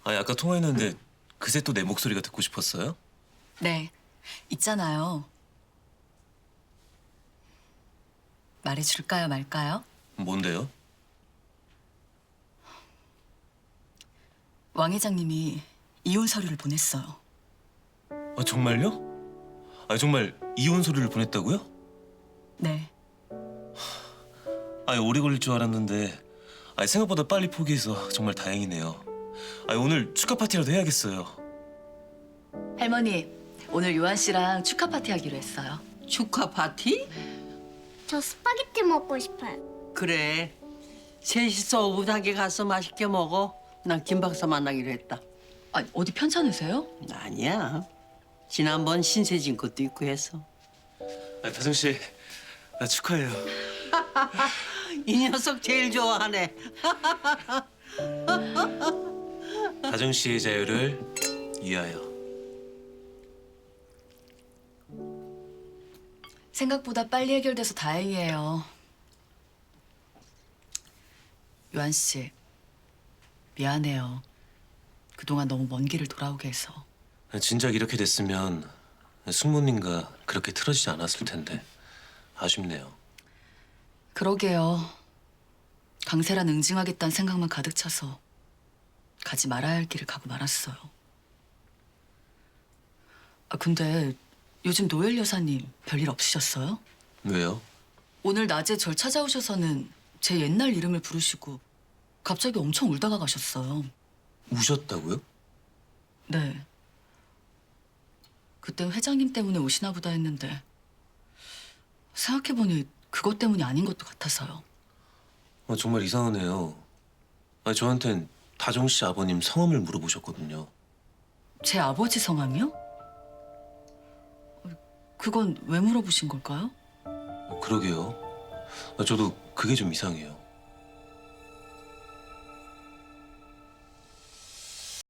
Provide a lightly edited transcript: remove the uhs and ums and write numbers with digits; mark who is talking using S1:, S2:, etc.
S1: 아니 아까 통화했는데 그새 또 내 목소리가 듣고 싶었어요?
S2: 네, 있잖아요. 말해줄까요, 말까요?
S1: 뭔데요?
S2: 왕 회장님이 이혼 서류를 보냈어요.
S1: 아 정말요? 아 정말 이혼 서류를 보냈다고요?
S2: 네,
S1: 아니 오래 걸릴 줄 알았는데 아니 생각보다 빨리 포기해서 정말 다행이네요. 아니 오늘 축하 파티라도 해야겠어요.
S2: 할머니, 오늘 요한 씨랑 축하 파티 하기로 했어요.
S3: 축하 파티?
S4: 저 스파게티 먹고 싶어요.
S3: 그래. 셋이서 오붓하게 가서 맛있게 먹어. 난 김 박사 만나기로 했다.
S2: 아니, 어디 편찮으세요?
S3: 아니야. 지난번 신세진 것도 있고 해서.
S1: 아 다정 씨, 나 축하해요.
S3: 이 녀석 제일 좋아하네.
S1: 다정 씨의 자유를 위하여.
S2: 생각보다 빨리 해결돼서 다행이에요. 요한 씨, 미안해요. 그동안 너무 먼 길을 돌아오게 해서.
S1: 진작 이렇게 됐으면 숙모님과 그렇게 틀어지지 않았을 텐데 아쉽네요.
S2: 그러게요. 강세란 응징하겠다는 생각만 가득 차서 가지 말아야 할 길을 가고 말았어요. 아, 근데 요즘 노엘 여사님 별일 없으셨어요?
S1: 왜요?
S2: 오늘 낮에 절 찾아오셔서는 제 옛날 이름을 부르시고 갑자기 엄청 울다가 가셨어요.
S1: 우셨다고요?
S2: 네. 그땐 회장님 때문에 오시나 보다 했는데 생각해보니 그것 때문이 아닌 것도 같아서요.
S1: 아, 정말 이상하네요. 아니, 저한텐 다정 씨 아버님 성함을 물어보셨거든요.
S2: 제 아버지 성함이요? 그건 왜 물어보신 걸까요?
S1: 그러게요. 아, 저도 그게 좀 이상해요.